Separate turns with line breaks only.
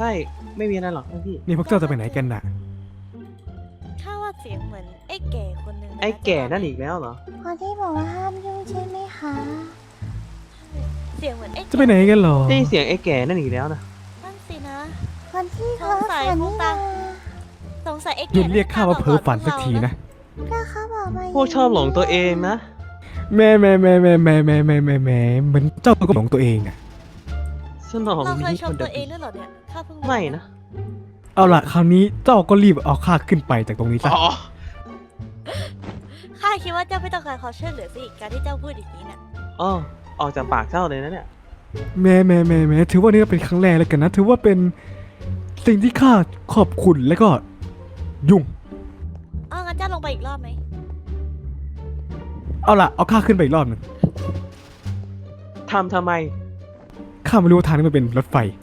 ช่ไม่มีอะไรหรอกท่านพี่
นี่พวกเจ้าจะไปไหนกันน่ะ
ข้าว่าเสียงเหมือนไอ้แก่คนหนึ่งนะ
ไอ้แก่นั่นอีกแล้วเหรอ
คนที่บอกว่าห้ามยุ่งใช่ไหมคะ
เสียงเหมือนไอ้
จะไปไหนกันหรอ
ได้ยินเสียงไอ้แก่นั่นอีกแล้วนะ
นั่นสินะ
คนที่เขาฝันนี่นะ
สงสัยไอ้
ห
แก่
ยุดเรียกข้าว่าเพ้อฝันสักทีนะ
ก็เขาบอกมา
พวกชอบหลงตัวเองนะ
แม่เหมือนเจ้าก็หลงตัวเองอ่ะ
สนอง
เราเคย
นี้
ช
ค
ม
น
ตั
เดียว
วเองด้วยเหรอเนี่ยข้าเพิ่งรู้
ไม่นะ
เอาล่ะคราวนี้เจ้าก็รีบเอาข้าขึ้นไปจากตรงนี้ซะ
อ๋อ
ข้าคิดว่าเจ้าไม่ต้องการความช่วยเหลือสิการที่เจ้าพูดอย่างนี้น่ะ
อ๋อออกจากปากเจ้าเลยนะเนี่ย
แม่ถือว่านี่ก็เป็นครั้งแรกแล้วกันนะ ถือว่าเป็นสิ่งที่ข้าขอบคุณแล้วก็ยุ่ง
งั้นเจ้าลงไปอีกรอบไหม
เอาล่ะเอาข้าขึ้นไปอีกรอบหนึง
ทำไม
ข้าไม่รู้ว่าทางนี้มันเป็นรถไฟ